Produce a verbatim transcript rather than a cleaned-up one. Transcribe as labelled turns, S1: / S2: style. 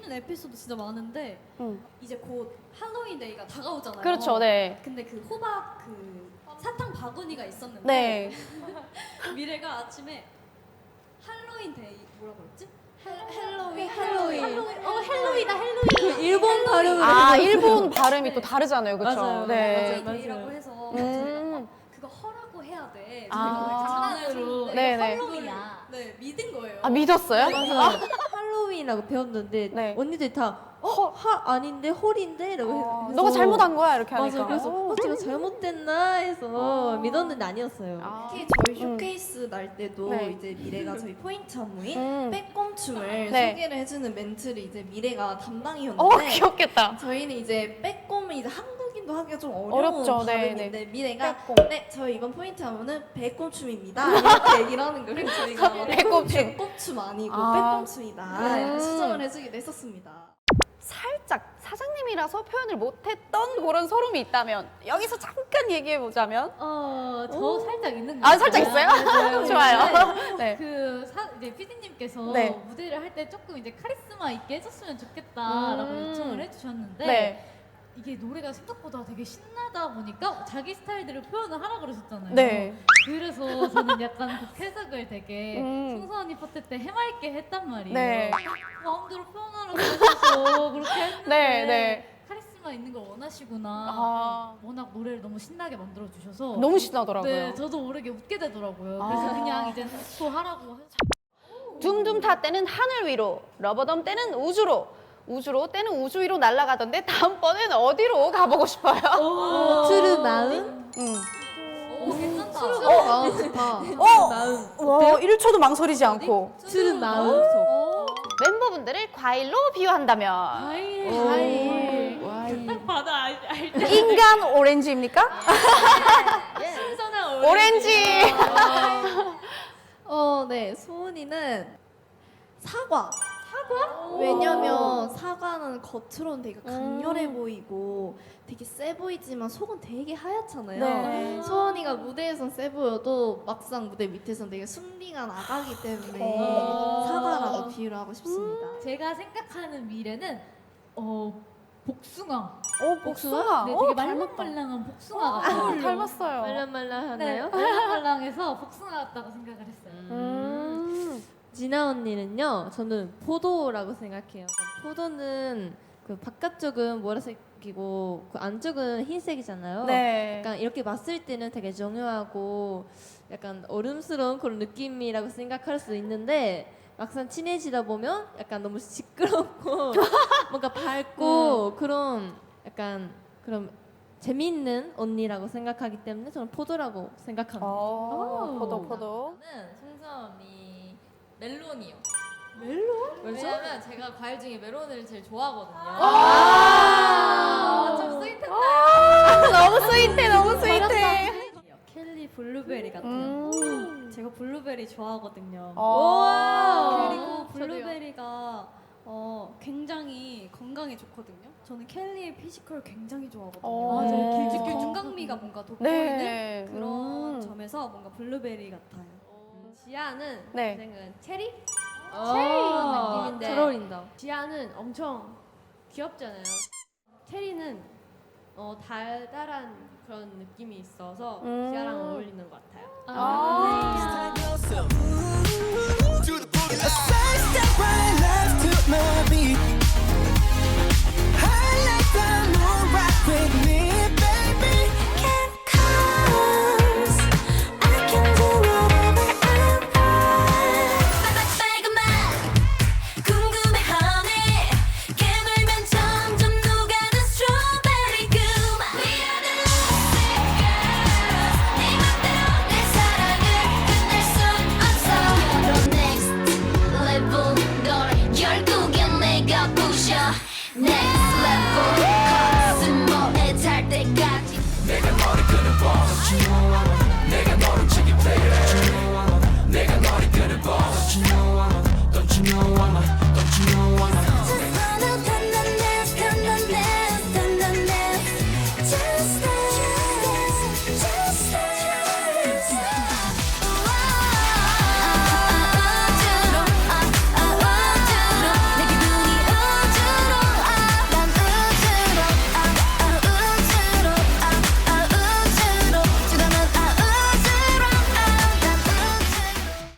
S1: 재밌는 에피소드 진짜 많은데
S2: 응.
S1: 이제 곧 할로윈 데이가 다가오잖아요.
S2: 그렇죠, 네.
S1: 근데 그 호박 그 사탕 바구니가 있었는데
S2: 네.
S1: 미래가 아침에 할로윈 데이 뭐라고 그랬지?
S3: 헬로윈,
S1: 할로윈.
S3: 헬로윈.
S1: 어 헬로윈이다 헬로윈.
S3: 그 일본 발음을
S2: 아,
S3: 해가지고.
S2: 일본 발음이 또 다르잖아요, 그렇죠?
S3: 맞아요.
S2: 네.
S1: 할로윈
S3: 맞아요.
S1: 데이라고 해서
S2: 음.
S1: 그거 허라고 해야 돼.
S2: 아.
S1: 장난으로
S2: 네네.
S1: 할로윈이야. 네 믿은 거예요.
S2: 아, 믿었어요?
S3: 맞아요. 할로윈이라고 배웠는데
S2: 네.
S3: 언니들이 다 어? 하 아닌데 홀인데? 이러고
S2: 어,
S3: 해서
S2: 너가 잘못한 거야 이렇게 하니까.
S3: 맞아. 그래서
S2: 오.
S3: 어, 제가 잘못됐나 해서
S2: 어.
S3: 믿었는데 아니었어요.
S2: 아.
S4: 특히 저희
S2: 음.
S4: 쇼케이스 날 때도
S2: 네.
S4: 이제 미래가 저희 포인트 안무인
S2: 음.
S4: 빼꼼춤을
S2: 네.
S4: 소개를 해주는 멘트를 이제 미래가
S2: 어,
S4: 담당이었는데
S2: 귀엽겠다.
S4: 저희는 이제 빼꼼은 이제 한국인도 하기가 좀 어려운
S2: 어렵죠. 네,
S4: 발음인데 미래가
S2: 빼꼼.
S4: 네 저희 이번 포인트 안무는 빼꼼춤입니다 이렇게 얘기를 하는 거예요. 저희가
S2: 빼꼼춤.
S4: 빼꼼춤 아니고
S2: 아.
S4: 빼꼼춤이다
S2: 음.
S4: 수정을 해주기도 했었습니다.
S2: 살짝 사장님이라서 표현을 못했던 그런 소름이 있다면 여기서 잠깐 얘기해 보자면.
S1: 어, 저 살짝 있는 거
S2: 아, 살짝 있어요? 좋아요. 네.
S1: 그 사, 이제 피디님께서
S2: 네.
S1: 무대를 할 때 조금 이제 카리스마 있게 해줬으면 좋겠다라고
S2: 음.
S1: 요청을 해주셨는데
S2: 네.
S1: 이게 노래가 생각보다 되게 신나다 보니까 자기 스타일대로 표현을 하라 그러셨잖아요.
S2: 네.
S1: 그래서 저는 약간 그 해석을 되게
S2: 음.
S1: 송서 언니 파트 때 해맑게 했단 말이에요.
S2: 네.
S1: 마음대로 표현하라고 하셔서 그렇게 했는데
S2: 네, 네.
S1: 카리스마 있는 걸 원하시구나.
S2: 아.
S1: 워낙 노래를 너무 신나게 만들어 주셔서
S2: 너무 신나더라고요.
S1: 네, 저도 모르게 웃게 되더라고요.
S2: 아.
S1: 그래서 그냥 이제 또 하라고 해서
S2: 둠둠타 때는 하늘 위로, 러버덤 때는 우주로, 우주로 때는 우주 위로 날아가던데 다음번엔 어디로 가보고 싶어요?
S3: 트르 마음?
S2: 음.
S1: 오, 괜찮다.
S3: 어, 마음 좋다.
S2: 어!
S3: 마음.
S2: 와, 일 초도 망설이지 않고.
S3: 트르 마음.
S1: 오,
S2: 멤버분들을 과일로 비유한다면
S1: 과일.
S3: 오.
S1: 과일.
S3: 와인.
S1: 딱 봐도 알, 알 때.
S2: 인간 오렌지입니까?
S1: 신선한
S2: 오렌지.
S4: 어, 네. 소은이는 사과. 사과? 왜냐면 사과는 겉으로는 되게 강렬해 보이고 되게 세 보이지만 속은 되게 하얗잖아요.
S2: 네.
S4: 소은이가 무대에선 세 보여도 막상 무대 밑에선 되게 순리가 나가기 때문에
S2: 어.
S4: 사과라고 비유를 하고 싶습니다.
S1: 제가 생각하는 미래는 어 복숭아.
S2: 오, 복숭아.
S1: 네,
S2: 오,
S1: 되게
S2: 닮았다.
S1: 말랑말랑한 복숭아
S2: 아,
S1: 같아요.
S2: 닮았어요.
S3: 말랑말랑하나요?
S1: 네, 말랑말랑해서 복숭아 같다고 생각을 했어요.
S2: 음.
S3: 진아 언니는요, 저는 포도라고 생각해요. 포도는 그 바깥쪽은 보라색이고 그 안쪽은 흰색이잖아요.
S2: 네.
S3: 약간 이렇게 봤을 때는 되게 정교하고 약간 어른스러운 그런 느낌이라고 생각할 수 있는데 막상 친해지다 보면 약간 너무 시끄럽고 뭔가 밝고 그런 약간 그런 재미있는 언니라고 생각하기 때문에 저는 포도라고 생각합니다.
S2: 어, 포도, 포도.
S5: 저는 송서 언니 멜론이요.
S3: 멜론?
S5: 왜냐면 제가 과일 중에 멜론을 제일 좋아하거든요.
S2: 아,
S5: 좀 스윗했다.
S2: 아, 너무 스윗해, 너무 스윗해.
S1: 켈리 블루베리 같아요.
S2: 음.
S1: 제가 블루베리 좋아하거든요.
S2: 오.
S1: 그리고 블루베리가 어, 굉장히 건강에 좋거든요. 저는 켈리의 피지컬 굉장히 좋아하거든요.
S2: 어.
S1: 맞아요.
S2: 길쭉길쭉.
S1: 길쭉길쭉 건강미가 뭔가 돋보이는
S2: 네.
S1: 그런
S2: 음.
S1: 점에서 뭔가 블루베리 같아요.
S6: 지아는
S2: 네.
S6: 제 생각은 체리?
S3: 아,
S6: 느낌인데.
S3: 잘 어울린다.
S6: 지아는 엄청 귀엽잖아요. 체리는 어, 달달한 그런 느낌이 있어서
S2: 음.
S6: 지아랑 어울리는 것 같아요.
S2: 아.
S7: A side step right left to my beat. I like the moon rock with me, baby. Can't cause I can do whatever I want. 빨간맛 궁금해 honey. 깨물면 점점 녹아든 strawberry 그 맛. We are the lucy girls. 네 맘대로 내 사랑을 끝낼 순 없어. You're the next level. 널 결국엔 내가 부셔. Next level. 가슴 모래 잘 때까지. 내가 머리 끄는 boss. You know I